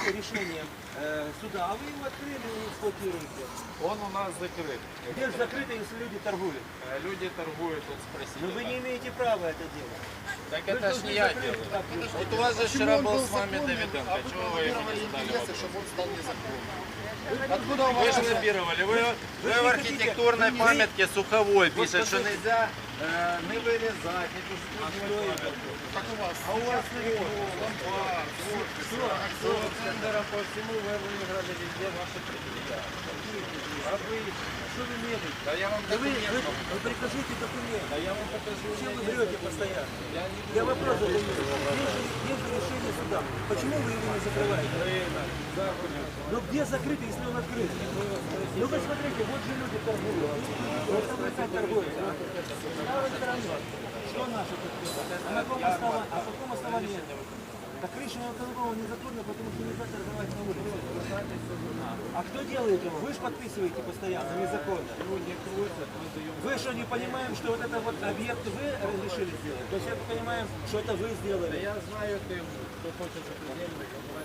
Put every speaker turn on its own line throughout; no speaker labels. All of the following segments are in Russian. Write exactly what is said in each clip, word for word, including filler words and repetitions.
по решениям э, суда, а вы его открыли и эксплуатируете.
Он у нас закрыт.
Где же закрыто, если люди торгуют?
Э, Люди торгуют, тут спросили.
Но вы
да.
не имеете права это делать.
Так
Вы
это ж
должны
не я
закрыть
делаю.
так,
Вот у вас же вчера был с вами Давиденко. Чего вы ему не задали вопрос?
чтобы он стал незаконным.
Откуда у
Вы
вас?
же лоббировали. Вы, вы в архитектурной памятке Суховой пишет, что нельзя э, не вырезать, не пустить.
Как у вас?
А у вас
Ломбард,
Все центра по всему вы выиграли везде ваши предприятия.
А вы что вы мерите?
Да я вам
Да вы,
документ
вы,
покажу.
вы прикажите документы.
Да я вам покажу.
Чем вы врете постоянно?
Я не
Я вопрос задаю. Есть же, есть же решение суда. Почему вы его не закрываете? Ну где закрыто, если он открыт? Ну вы смотрите, вот же люди торгуют. Вот там опять торгуются. С правой стороны. Что наше тут? А на каком основании? А по какому основанию? Так решение торгового незаконно, потому что нельзя торговать на улице. А кто делает его? Вы же подписываете постоянно, незаконно. Вы что, не понимаем, что вот это вот объект вы разрешили сделать? То есть я понимаю, что это вы сделали.
Я знаю, ты, кто хочет запредельно,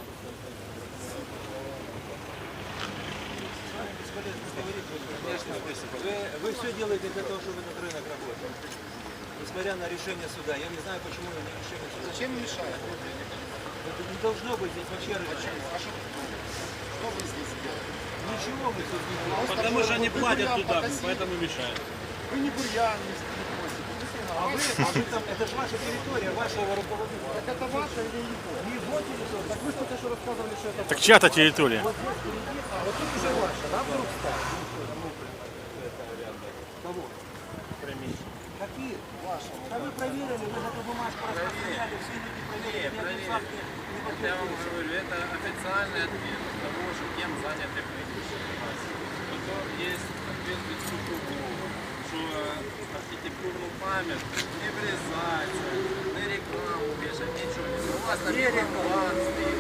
Конечно, вы, вы все делаете для того, чтобы этот рынок работал. Несмотря на решение суда. Я не знаю, почему не решение суда.
Зачем мешает?
Это не должно быть здесь вообще рынок.
А что, что вы здесь делаете?
Ничего вы здесь не делаете.
Потому что они платят туда, поэтому мешают.
Вы не бурьян не косите.
А вы, а вы там, это же ваша территория, вашего руководителя.
Так это ваше или его?
Не его территория.
Так вы же только что рассказывали, что это
Так чья-то территория.
Вот здесь впереди, а вот тут уже ваша, да, вдруг стало? Кого? Какие? Ваши. Да вы проверили, вы эту бумажку распространяли, все люди проверили, ни один факт не
это я вам говорю, это официальный ответ того, что кем заняты предыдущие власти. Потом есть ответ Бесукову, что архитектурную память не врезать, не рекламу вешать, ничего не. У вас там план стоит.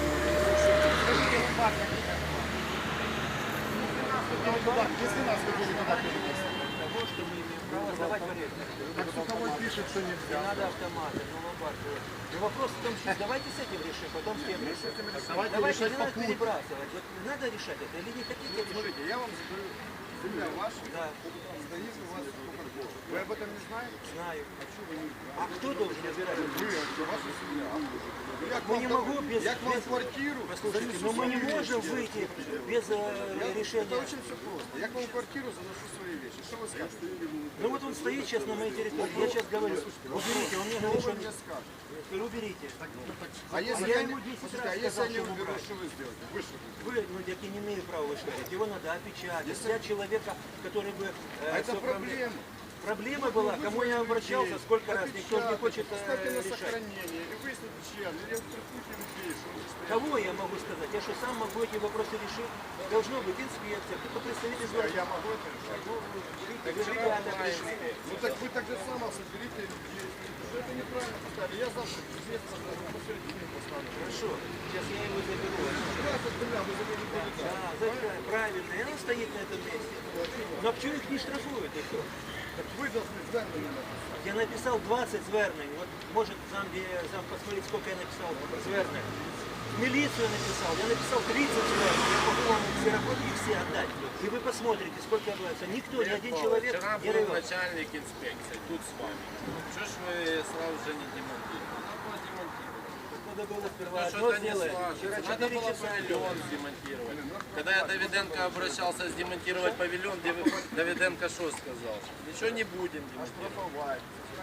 Если нас вы будете туда перенести.
того, что мы имеем право сдавать в аренду.
Так Суховой пишет, что
Не
нельзя.
надо автоматы, ну ломбард. Но вопрос в том, что давайте с этим решим, потом с тем решим.
Давайте
Давайте,
решать
не надо
попутно.
перебрасывать. Вот надо решать это или не хотите решать?
Смотрите, я вам задаю, земля ваша,
Да,
стоит у вас Coca-Cola. Вы об этом не знаете?
знаю.
А что вы не знаете?
А кто должен разбирать?
Вы, это ваша семья. Я к
Мы
вам
не
дам-
могу без...
Я к вам
без-
в квартиру.
Послушайте,
занесу
но мы не
свои
можем
вещи.
выйти без э,
Я- Это
решения.
очень все просто. Я к вам в квартиру заношу свои вещи. Что вы скажете?
Ну вот он стоит сейчас на моей территории. Я сейчас говорю, уберите, он мне
Что
говорит,
вы
что
мне скажете?
я говорю, уберите.
А если
я
я
ему
не
десять
Послушайте,
раз
а если
сказал,
я не
что ему
уберу,
брать.
что вы сделаете? Вы что будете?
Вы, ну, я не имею права вышвырять. Его надо опечатать. Взять человека, который бы... э,
А это
всё
проблема.
Проблема была, кому я обращался, сколько раз, никто же не хочет э,
Ставьте на
решать.
сохранение, или выясните чья, или штрафуйте людей, что они стоят.
Кого я могу сказать? Я что, сам могу эти вопросы решить? Должно быть инспекция, кто-то представитель
А
города.
я могу это решать?
Ну, берите, вы ребята пришли.
Ну так вы так же само соберите людей. Что это неправильно поставили. Я завтра здесь посередине поставлю.
Хорошо, сейчас я его заберу.
Раз от земля, вы заберете.
Да, за- правильно, и он стоит на этом месте. Но почему их не штрафуют? И кто?
Так вы должны звернення написати.
Я написал двадцать звернень. Вот может зам, зам посмотреть, сколько я написал звернень. В милицию написал. Я написал тридцать звернень. Я могу вам ксерокопии все отдать. И вы посмотрите, сколько отбывается. Никто, ни один человек
Вчера
не
был
рвет.
начальник инспекции, тут с вами. Что ж вы сразу же не демонтируете? Надо было демонтировать.
Надо было сперва
Ну,
одно
что-то не
сделать.
сложится.
Вчера
Надо
четыре
было
часа
павильон
делать.
демонтировать. Когда я Давиденко обращался демонтировать павильон, Дев- Давиденко что сказал? Ничего не будем демонтировать.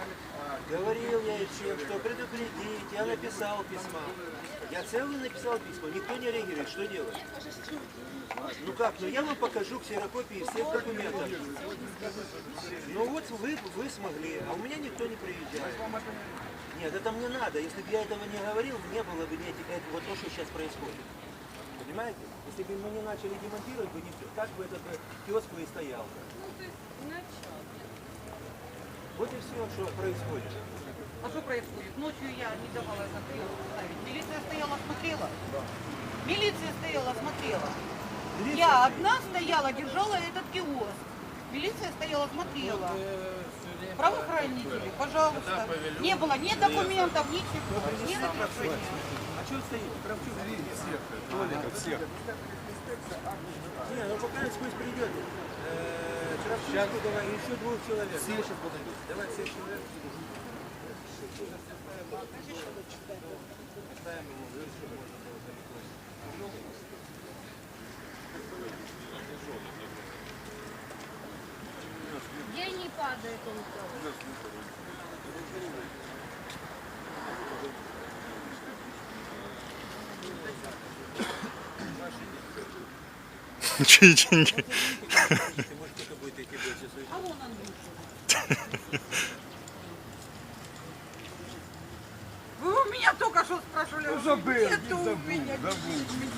Говорил я им всем, что предупредить. Я написал письма. Я целый написал письма. Никто не реагирует. Что делать? Ну как? Ну я вам покажу ксерокопии всех документов. Ну вот вы, вы смогли, а у меня никто не приезжает. Нет, это мне надо. Если бы я этого не говорил, не было бы этих, это, вот то, что сейчас происходит. Понимаете? Если бы мы не начали демонтировать, бы никто, так бы этот э, киоск бы и стоял. Вот и все, что происходит.
А что происходит? Ночью я не давала закрыть ставить. Милиция стояла, смотрела. Милиция стояла, смотрела. Я одна стояла, держала этот киоск. Милиция стояла, смотрела. Правоохранители, пожалуйста. Не было ни документов, ничего. Ни разрешения.
А что стоит? Кравчук.
всех.
Не, ну пока пусть придет. Кравченкова и еще двух человек. Все сейчас подойдут. Давай всех человек.
Где не падает он тоже?
Чьи деньги?
А вон Андрюша. Вы у меня только что спрашивали. Забыл, Нету у меня.